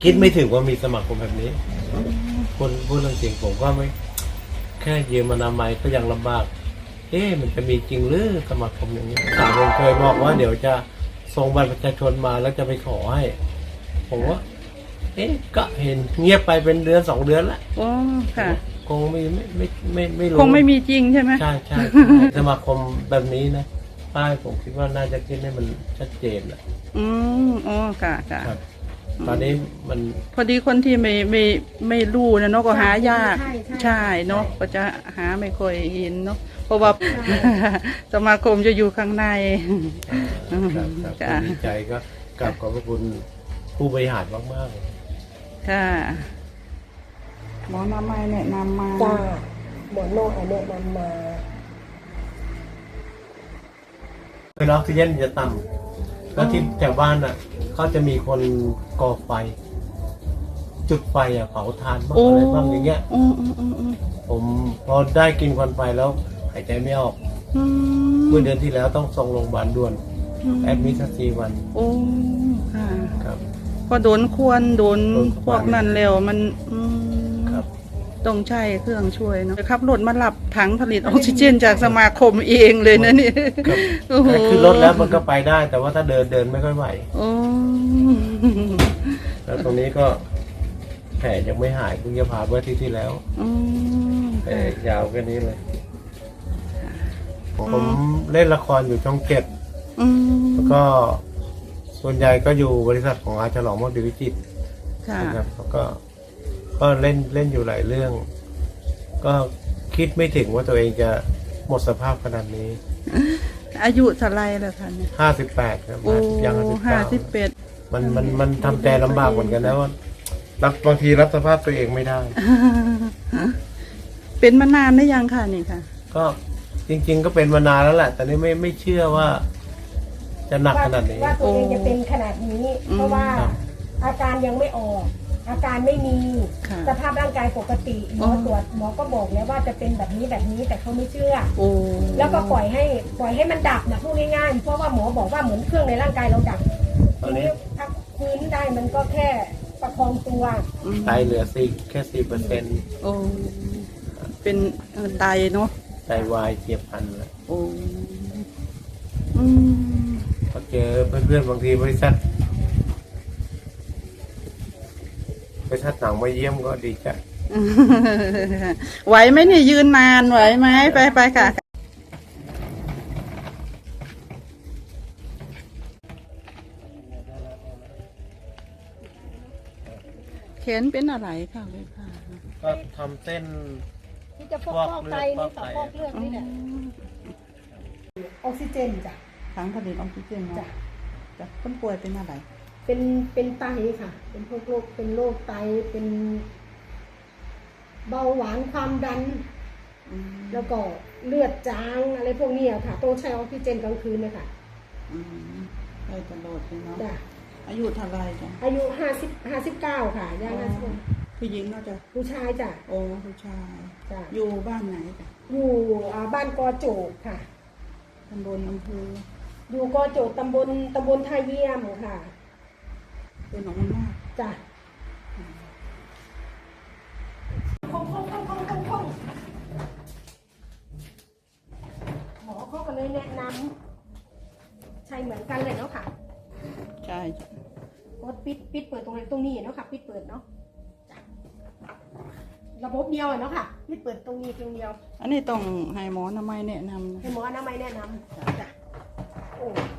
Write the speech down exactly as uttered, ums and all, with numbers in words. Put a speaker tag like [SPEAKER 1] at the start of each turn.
[SPEAKER 1] คิดไม่ถึงว่ามีสมาคมแบบนี้คนพูดเรื่องจริงผมก็ไม่แค่ยืมอนามัยก็ยังลำบากเอ๊ะมันจะมีจริงหรือสมาคมอย่างนี้สาวผมเคยบอกว่าเดี๋ยวจะส่งบัตรประชาชนมาแล้วจะไปขอให้ผมว่าเอ๊ะก็เห็นเงียบไปเป็นเดือนสองเดือนละ
[SPEAKER 2] โอ้ค่ะ
[SPEAKER 1] คงไม่ไม่ไม่ไม่ไม่รู้
[SPEAKER 2] คงไม่มีจริงใช่ไหม
[SPEAKER 1] ใช่ใช่สมาคมแบบนี้นะป้ายผมคิดว่าน่าจะคิดให้มันชัดเจนแหละ
[SPEAKER 2] อืมอ๋อค่ะค่ะ
[SPEAKER 1] ครับ ตอนนี้มัน
[SPEAKER 2] พอดีคนที่ไม่ไม่ไม่รู้นะเนาะก็หายาก
[SPEAKER 3] ใช่ใช่
[SPEAKER 2] ใช่เนาะก็จะหาไม่ค่อยเห็นเนาะเพราะว่า สมาคมจะอยู่ข้างใน
[SPEAKER 1] อ่าครับครับ
[SPEAKER 2] จ้ะ
[SPEAKER 1] ดีใจก็กราบขอบพระคุณผู้บริหารมากๆเลย
[SPEAKER 2] ค่ะหมอนามัยแนะนำมา
[SPEAKER 3] จ้าหมอนอกแนะนำมา
[SPEAKER 1] คือออกซิเจนจะต่ำแล้วที่แถวบ้านอ่ะเขาจะมีคนก่อไฟ จุดไฟอ่ะเผาทานบ้างอะไรบ้างอย่างเงี้ย
[SPEAKER 2] อืมอืมอืมอืม
[SPEAKER 1] ผมพอได้กินควันไฟแล้วหายใจไม่ออก
[SPEAKER 2] อืม
[SPEAKER 1] เมื่อเดือนที่แล้วต้องส่งโรงพยาบาลด่วนแอดมิทสี่วัน
[SPEAKER 2] โอ้ค่ะ
[SPEAKER 1] ครับ
[SPEAKER 2] พอโดนควรโดน
[SPEAKER 1] โดน
[SPEAKER 2] พวกนั้นแล้วมันอืม
[SPEAKER 1] ครับ
[SPEAKER 2] ต้องใช้เครื่องช่วยเนาะขับรถมารับถังผลิตออกซิเจนจากสมาคมเองเลยนะนี่
[SPEAKER 1] ครับ
[SPEAKER 2] โอ้โห
[SPEAKER 1] แค่ขึ้นรถแล้วมันก็ไปได้ แต่ว่าถ้าเดินเดินไม่ค่อยไหว
[SPEAKER 2] โอ้
[SPEAKER 1] แล้วตรงนี้ก็แผลยังไม่หายเพิ่งจะผ่าเมื่ออาที่ที่แล้ว
[SPEAKER 2] อืม
[SPEAKER 1] แผลยาวแค่นี้เลย ผมเล่นละครอยู่ช่องเจ็ด
[SPEAKER 2] อืม
[SPEAKER 1] แล้วก็ส่วนใหญ่ก็อยู่บริษัทของอาฉลองมดดิวิจิตร
[SPEAKER 2] ค่ะ
[SPEAKER 1] นะครับแล้วก็ก็เล่นเล่นอยู่หลายเรื่อง ก็คิดไม่ถึงว่าตัวเองจะหมดสภาพขนาดนี้
[SPEAKER 2] อายุเท่าไรแล้วคะเนี่ย
[SPEAKER 1] ห้าสิบแปดครับ
[SPEAKER 2] โอ้
[SPEAKER 1] ยังห้าสิบ
[SPEAKER 2] ห้า
[SPEAKER 1] เก้า
[SPEAKER 2] สิบเป็ด
[SPEAKER 1] มันมันมันทำใจลำบากเหมือนกันนะว่ารับบางทีรับสภาพตัวเองไม่ได้
[SPEAKER 2] เป็นมานานได้ยังค่ะนี่ค่ะ
[SPEAKER 1] ก็จริง ๆ ก็เป็นมานานแล้วแหละ แต่นี่ไม่ไม่เชื่อว่า จะหนักขนาดนี้
[SPEAKER 3] ว่าตัวเองจะเป็นขนาดนี้
[SPEAKER 2] อืม
[SPEAKER 3] เพราะว่า
[SPEAKER 1] ครับ
[SPEAKER 3] อาการยังไม่ออก อาการไม่มี
[SPEAKER 2] ค่ะ
[SPEAKER 3] สภาพร่างกายปกติหมอตรวจหมอก็บอกแล้วว่าจะเป็นแบบนี้แบบนี้แต่เขาไม่เชื่อ
[SPEAKER 2] โอ้
[SPEAKER 3] แล้วก็ปล่อยให้ปล่อยให้มันดับนะพูดง่ายๆเพราะว่าหมอบอกว่าเหมือนเครื่องในร่างกายเราดับ
[SPEAKER 1] ตอ
[SPEAKER 3] ที
[SPEAKER 1] นนี้
[SPEAKER 3] นี้พักฟื้นได้มันก็แค่ประคองตัว
[SPEAKER 2] อืม
[SPEAKER 1] ไตเหลือสี่แค่สี่เปอร์เซ็นต์
[SPEAKER 2] โอ้เป็นเอ่อไตเนาะ
[SPEAKER 1] ไตวายเฉียบพลันแล้ว
[SPEAKER 2] โอ้อืม
[SPEAKER 1] พอเจอเพื่อนๆบางทีบริษัทบริษัทหนังมาเยี่ยมก็ดีใจ
[SPEAKER 2] ไหวไหมเนี่ยยืนนานไหวไหมไปไปค่ะเข็นเป็นอะไรค่ะเลยค่ะ
[SPEAKER 1] ก็ทำเส้น
[SPEAKER 3] ที่จะฟอกฟอกไตนี่ต่อฟอกเลือดนี่แหละออกซิเจนจ้ะ
[SPEAKER 2] ถังผลิตออกซิเจน
[SPEAKER 3] จ้ะ
[SPEAKER 2] เนาะจ้ะคนป่วยเป็นอะไร
[SPEAKER 3] เป็นเป็นไตค่ะ เป็นพวกโรคเป็นโรคไตเป็นเบาหวานความดัน
[SPEAKER 2] อืม
[SPEAKER 3] แล้วก็เลือดจางอะไรพวกนี้อะค่ะต้องใช้ออกซิเจนกลางคืนเลยค่ะ
[SPEAKER 2] อืมได้ตลอดเลยเนาะ
[SPEAKER 3] จ้ะ
[SPEAKER 2] อายุเท่าไรจ้ะ
[SPEAKER 3] อายุห้าสิบห้าสิบเก้าค่ะย่างห้าสิบ
[SPEAKER 2] ผู้หญิงเนาะจ้ะ
[SPEAKER 3] ผู้ชายจ้ะ
[SPEAKER 2] โอ้ผู้ชาย
[SPEAKER 3] จ้ะ
[SPEAKER 2] อยู่บ้านไหนจ้ะ
[SPEAKER 3] อยู่อ่าบ้านกอโจกค่ะ
[SPEAKER 2] ตำบลอำเภอ
[SPEAKER 3] อยู่กอโจกตำบลตำบลท่าเยี่ยมค่ะ
[SPEAKER 2] เป็นหนองมันมาก
[SPEAKER 3] จ้ะคงคงคงคงคงคงหมอเขาก็เลยแนะนำใช่เหมือนกันเลยเนาะค่ะ
[SPEAKER 2] ใช่จ้ะ
[SPEAKER 3] กดปิดปิดเปิดตรงไหนตรงนี้เนาะค่ะปิดเปิดเนาะจ้ะระบบเดียวอะเนาะค่ะปิดเปิดตรงนี้ตรงเดียว
[SPEAKER 2] อันนี้ต้องให้หมออนามัยแนะนำนะ
[SPEAKER 3] ให้หมออนามัยแนะนำจ้ะโอ้